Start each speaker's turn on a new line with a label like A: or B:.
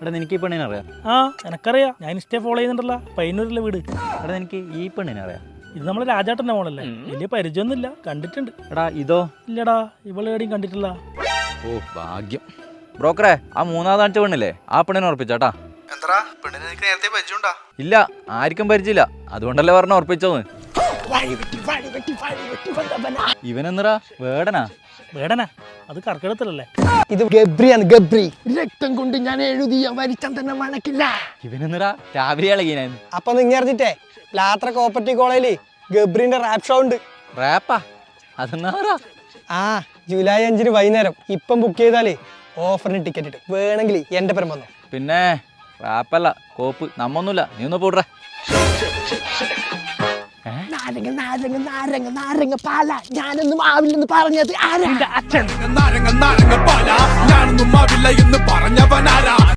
A: എടാ നിനക്ക് ഈ പെണ്ണിനെ അറിയാം?
B: ആ എനക്കറിയാം, ഞാൻ ഇൻസ്റ്റേ ഫോളോ ചെയ്യുന്നുണ്ടല്ലോ, പയ്യന്നൂരിലെ വീട്.
A: എടാ നിനക്ക് ഈ പെണ്ണിനെ അറിയാം?
B: ഇത് നമ്മളെ രാജാട്ടൻ്റെ മോളല്ലേ, വലിയ പരിചയമൊന്നുമില്ല, കണ്ടിട്ടുണ്ട്.
A: എടാ ഇതോ?
B: ഇല്ലടാ, ഇവളെവിടെയും കണ്ടിട്ടില്ല.
A: ഓ ഭാഗ്യം. ബ്രോക്കറെ, ആ മൂന്നാമത് കാണിച്ച പെണ്ണില്ലേ, ആ പെണ്ണിനെ ഉറപ്പിച്ചാട്ടാ?
C: എന്താ പെണ്ണിനെ നിനക്ക് നേരത്തെ പരിചയമുണ്ടാ?
A: ഇല്ല, ആർക്കും പരിചയമില്ല, അതുകൊണ്ടല്ലേ പറഞ്ഞ ഉറപ്പിച്ചോന്ന്. ഇവനെന്നറാ വേടനാ?
B: വേടനാ? അത് കർക്കിടത്തിലല്ലേ?
D: ഇത് ഗബ്രിയാണ്, ഗബ്രി. രക്തം കൊണ്ട് ഞാൻ എഴുതിയ വരിച്ചാൻ തന്നെ മണക്കില്ല.
A: ഇവനെന്നറാ രാവിലെ ഇളകിനായിരുന്നു.
D: അപ്പൊ നിങ്ങൾ അറിഞ്ഞിട്ടേ ലാത്ര കോപ്പറേറ്റീവ് കോളേജില് ഗബ്രിന്റെ റാപ്പ് ഷോ ഉണ്ട്.
A: റാപ്പാ? അതെന്നാറാ?
D: ആ ജൂലൈ 5 വൈകുന്നേരം. ഇപ്പം ബുക്ക് ചെയ്താലേ ഓഫറിന് ടിക്കറ്റ് ഇട്ട് വേണമെങ്കിൽ എന്റെ പരം വന്നോ.
A: പിന്നെ റാപ്പല്ല, കോപ്പ്. നമ്മൊന്നുമില്ല, നീ ഒന്ന് പോട്ടെ.
D: നാരങ്ങ നാരങ്ങ നാരങ്ങ നാരങ്ങ പാല ഞാനൊന്നും ആവില്ലെന്ന് പറഞ്ഞത് ആരാ?
C: നാരങ്ങ നാരങ്ങ പാല ഞാനൊന്നും ആവില്ല എന്ന് പറഞ്ഞവനാരാ?